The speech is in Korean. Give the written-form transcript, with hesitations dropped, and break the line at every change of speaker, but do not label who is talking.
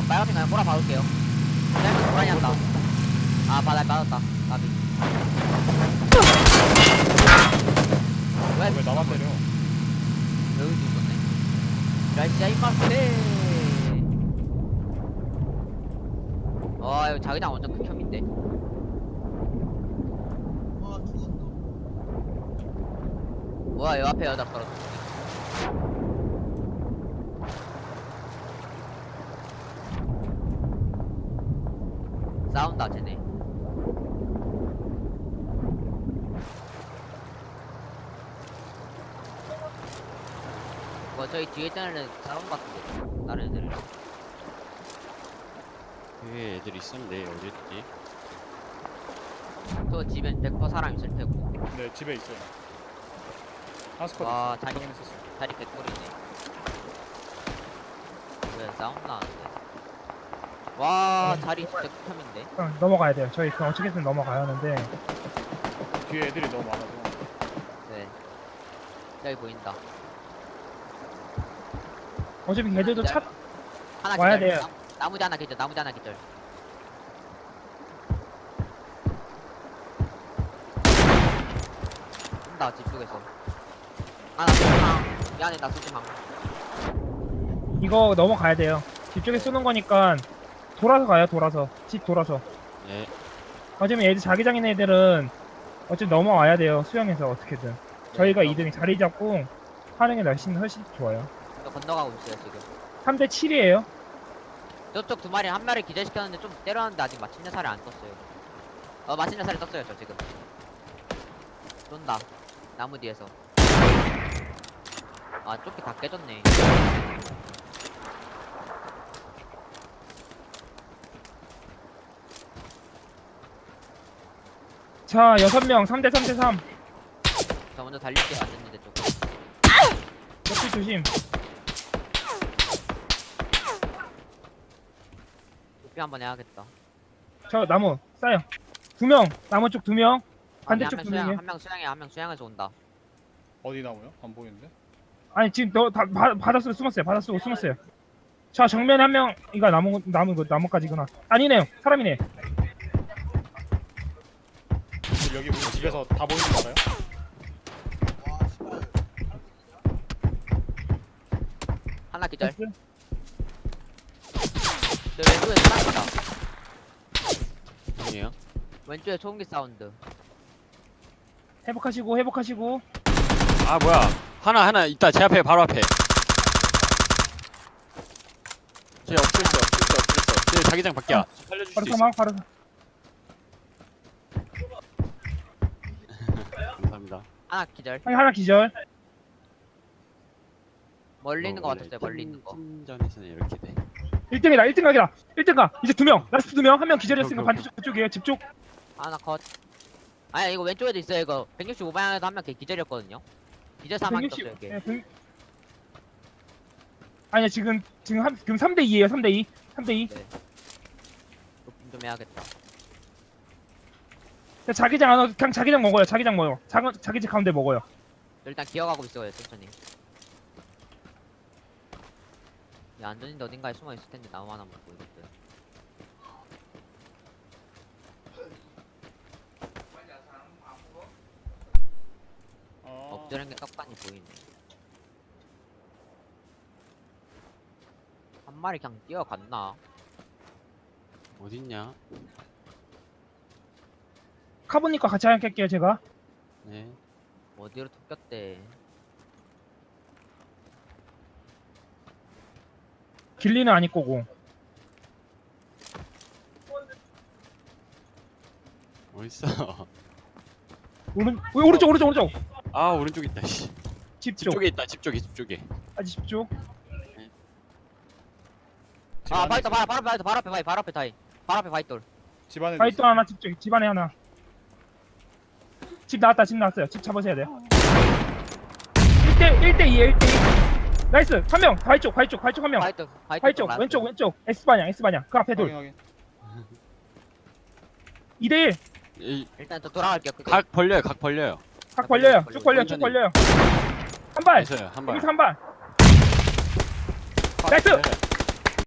빨간색 그냥 꼬라 박을게요. 짧은 고라니 한다. 아, 바닥 빠졌다. 나비.
왜 나만 때려?
여기도 있었네. 이라시아이마스. 이거 자기장 완전 극혐인데. 뭐야, 여 앞에 여자 떨어졌어. 싸운다, 쟤네. 저희 뒤에 있던 애는 싸운 것 같은데. 다른 애들이랑.
뒤에 애들 있었는데 어디였지?
저 집엔 100% 사람 있을 테고.
네, 집에 있어요. 하스쿼드
와,
있어요. 확인했었어요.
다리 개꿀이네. 왜 싸움 나는데? 와, 다리 진짜 극혐인데.
넘어가야 돼요. 저희 그 어떻게든 넘어가야 하는데
뒤에 애들이 너무 많아서.
네. 여기 보인다.
어차피 걔들도 차
하나
와야
기절.
돼요.
나무지 하나 기절, 나무지 하나 기절. 온다, 집 쪽에서. 아, 나 소심함. 미안해, 나 소심함.
이거 넘어가야 돼요. 뒤쪽에 쏘는 거니까 돌아서 가요. 돌아서 집 돌아서.
네.
어차피 애들 자기장인 애들은 어차피 넘어와야 돼요. 수영해서 어떻게든. 저희가 2등이 자리 잡고 하는 게 훨씬 좋아요.
저 건너가고 있어요, 지금.
3대 7이에요.
저쪽 두 마리 한 마리 기절시켰는데 좀 때렸는데 아직 마침내 살이 안 떴어요. 마침내 살이 떴어요, 저 지금. 쏜다. 나무 뒤에서. 아, 조끼 다 깨졌네.
자, 6명 3대 3대 3.
저 먼저 달릴게요, 안 됐는데 조금.
옆에 조심.
도피 한번 해야겠다.
저 나무 싸요. 2명. 나무 쪽 2명. 반대쪽
한
2명이에요.
명 한 명 수양해, 한 명 수양해서 온다.
어디 나무요? 안 보이는데?
아니 지금 바닷속에 숨었어요. 바닷속에 숨었어요. 자, 정면에 한 명. 이거 나무까지구나. 아니네요. 사람이네.
여기 우리 집에서 다 보이는 거 알아요?
하나 기절.
됐어요?
저 왼쪽에 사람이다.
아니에요?
왼쪽에 소음기 사운드.
회복하시고.
아 뭐야? 하나 있다. 제 앞에 바로 앞에. 쟤 없었어. 쟤 자기장 밖이야. 살려줄
바로
수 있어.
사망. 바로
감사합니다.
하나 기절.
하나 기절.
멀리 있는 거
원래
같았어요, 멀리 있는 거.
팀전에서는 이렇게 돼.
1등이다. 1등 각이다. 1등 각. 이제 2명. 라스트 2명. 한 명 기절했으니까
오케이.
반대쪽 그쪽이에요. 집 쪽.
하나 컷. 아니, 이거 왼쪽에도 있어요, 이거. 165방향에도 한 명 기절이었거든요. 기절 사망 떴어요, 이게.
예, 아니야, 지금 3대 2예요. 3대 2. 3대 2.
높임 좀 해야겠다.
자기장 안 와도 그냥 자기장 먹어요. 자기장 먹어요. 자기장 가운데 먹어요.
일단 기어가고 있어요, 천천히. 야, 안전인데 어딘가에 숨어 있을 텐데 나무 하나 먹고 이것들. 엎드린 게 떡하니 보이네. 한 마리 그냥 뛰어갔나?
어딨냐?
카보니까 같이 할게요. 제가.
네.
어디로 톡겼대?
길리는 아닐 거고.
어딨어?
오른쪽.
아 오른쪽 있다. 씨.
집
집
쪽.
쪽에 있다. 집 쪽에.
아직 집 쪽.
집
아,
안에
바이터,
있어요.
바로 앞에 다이. 바로 앞에 바이돌.
집 안에
바이트 하나 집 쪽. 집 안에 하나. 집 나왔어요. 집 잡으셔야 돼요. 1대 2. 나이스. 한 명. 바이쪽 한 명. 바이쪽 왼쪽. S방향. 그 앞에 돌.
확인.
2대 1.
일단 또 돌아갈게요. 그게.
각 벌려요.
각 벌려요. 쭉 벌려요. 한 발.
있어요. 한 발.
여기서 한 발. 나이스.
네.